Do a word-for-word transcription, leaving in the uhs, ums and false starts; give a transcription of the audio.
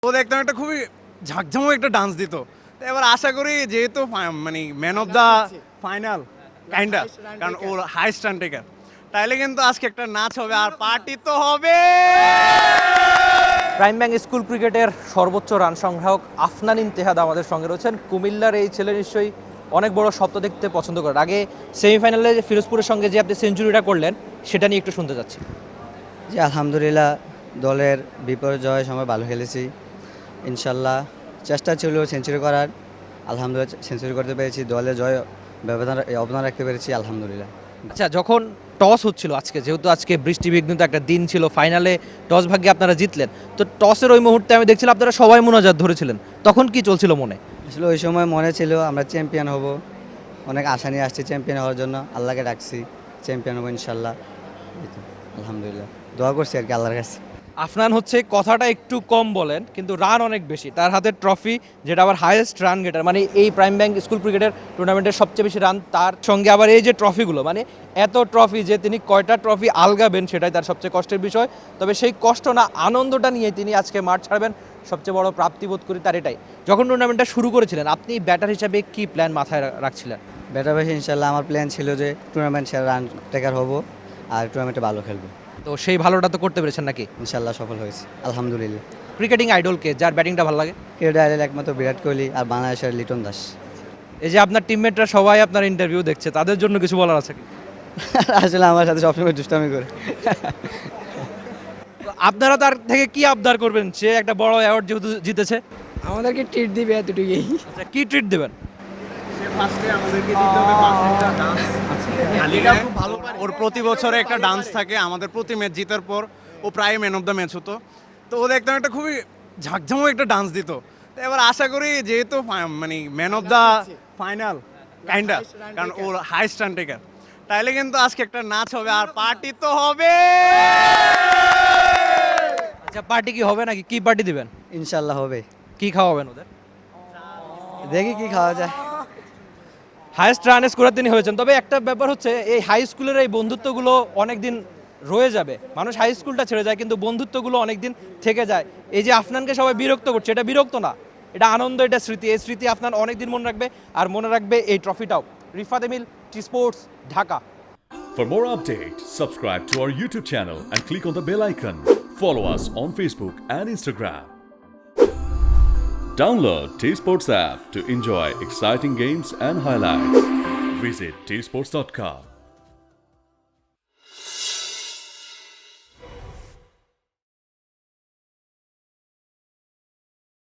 ও দেখতাম একটা খুবই ঝাঁকঝামক একটা ডান্স দিত। তো এবার আশা করি যেহেতু ফা- মানে man of the final kinda, কারণ ওর হাইস্ট রান টেকার, তাইলে কিন্তু আজকে একটা নাচ হবে আর পার্টি তো হবে। প্রাইম ব্যাংক স্কুল ক্রিকেটের সর্বোচ্চ রান সংগ্রাহক আফনান ইমতেহাদ আমাদের সঙ্গে রয়েছেন। কুমিল্লার এই ছেলে নিশ্চয়ই অনেক বড় স্বপ্ন দেখতে পছন্দ করেন। আগে সেমিফাইনালে যে ফিরোজপুরের সঙ্গে যে আপনি সেঞ্চুরিটা করলেন সেটা নিয়ে একটু শুনতে চাচ্ছি। জি আলহামদুলিল্লাহ, দলের বিপর্যয়ের সময় ভালো খেলেছি। ইনশাল্লাহ চেষ্টা ছিল সেঞ্চুরি করার, আলহামদুলিল্লাহ সেঞ্চুরি করতে পেরেছি। দলে জয় ব্যবধান অবদান রাখতে পেরেছি আলহামদুলিল্লাহ। আচ্ছা, যখন টস হচ্ছিল আজকে, যেহেতু আজকে বৃষ্টিবিঘ্নিত একটা দিন ছিল, ফাইনালে টস ভাগ্যে আপনারা জিতলেন, তো টসের ওই মুহূর্তে আমি দেখছিলাম আপনারা সবাই মোনাজাত ধরেছিলেন, তখন কি চলছিল মনে? আসলে ওই সময় মনে ছিল আমরা চ্যাম্পিয়ন হব, অনেক আশা নিয়ে আসছি চ্যাম্পিয়ন হওয়ার জন্য। আল্লাহকে ডাকছি চ্যাম্পিয়ন হবো ইনশাল্লাহ। এই তো, আলহামদুলিল্লাহ দোয়া করছি আর কি আল্লাহর কাছে। আফনান হচ্ছে কথাটা একটু কম বলেন, কিন্তু রান অনেক বেশি। তার হাতে ট্রফি, যেটা আবার হাইয়েস্ট রান গেটার, মানে এই প্রাইম ব্যাংক স্কুল ক্রিকেটের টুর্নামেন্টের সবচেয়ে বেশি রান। তার সঙ্গে আবার এই যে ট্রফিগুলো, মানে এত ট্রফি যে তিনি কয়টা ট্রফি আলগাবেন সেটাই তার সবচেয়ে কষ্টের বিষয়। তবে সেই কষ্ট না, আনন্দটা নিয়ে তিনি আজকে মাঠ ছাড়বেন, সবচেয়ে বড় প্রাপ্তিবোধ করি তার এটাই। যখন টুর্নামেন্টটা শুরু করেছিলেন, আপনি ব্যাটার হিসাবে কি প্ল্যান মাথায় রা- রাখছিলেন? ব্যাটার বেশি ইনশাল্লাহ আমার প্ল্যান ছিল যে টুর্নামেন্ট সেরা রান টেকার হব আর টুর্নামেন্টে ভালো খেলবো। তো সেই ভালোটা তো করতে পেরেছেন নাকি? ইনশাল্লাহ সফল হয়েছে আলহামদুলিল্লাহ। ক্রিকেটিং আইডলকে, যার ব্যাটিংটা ভালো লাগে? ক্রিকেট আইডল একমাত্র বিরাট কোহলি আর বাংলাদেশের লিটন দাস। এই যে আপনার টিমমেটরা সবাই আপনার ইন্টারভিউ দেখছে, তাদের জন্য কিছু বলার আছে কি? আসলে আমার সাথে সবসময় দুষ্টামি করে। তো আপনারা তার থেকে কি আবদার করবেন? সে একটা বড় অ্যাওয়ার্ড যেহেতু জিতেছে, আমাদেরকে ট্রিট দিবে এতটুকুই। আচ্ছা কি ট্রিট দেবেন? ওর প্রতি বছরে একটা ডান্স থাকে, আমাদের প্রতি ম্যাচ জিতার পর ও প্রায় ম্যান অফ দ্য ম্যাচ হতো। তো ও দেখতাম একটা খুবই ঝাঁকঝামক একটা ডান্স দিত। তো এবার আশা করি যেহেতু ফা- মানে man of the final kinda, কারণ ওর হাইস্ট রান টেকার, তাইলে কিন্তু আজকে একটা নাচ হবে আর পার্টি তো হবে। আচ্ছা পার্টি কি হবে নাকি? কি পার্টি দিবেন? ইনশাল্লাহ হবে, কি খাওয়াবেন ওদের? দেখি কি খাওয়া যায়। হাইয়েস্ট রান স্কোরার তিনি হয়েছেন। তবে একটা ব্যাপার হচ্ছে, এই হাই স্কুলের এই বন্ধুত্বগুলো অনেক দিন রয়ে যাবে। মানুষ হাই স্কুলটা ছেড়ে যায়, কিন্তু বন্ধুত্বগুলো অনেক দিন থেকে যায়। এই যে আফনানকে সবাই বিরক্ত করছে, এটা বিরক্ত না, এটা আনন্দ, এটা স্মৃতি। এই স্মৃতি আফনান অনেক দিন মনে রাখবে, আর মনে রাখবে এই ট্রফিটাও। Rifat Emil, T Sports, Dhaka. For more updates, subscribe to our YouTube channel and click on the bell icon. Follow us on Facebook and Instagram. Download T Sports app to enjoy exciting games and highlights. Visit t sports dot com.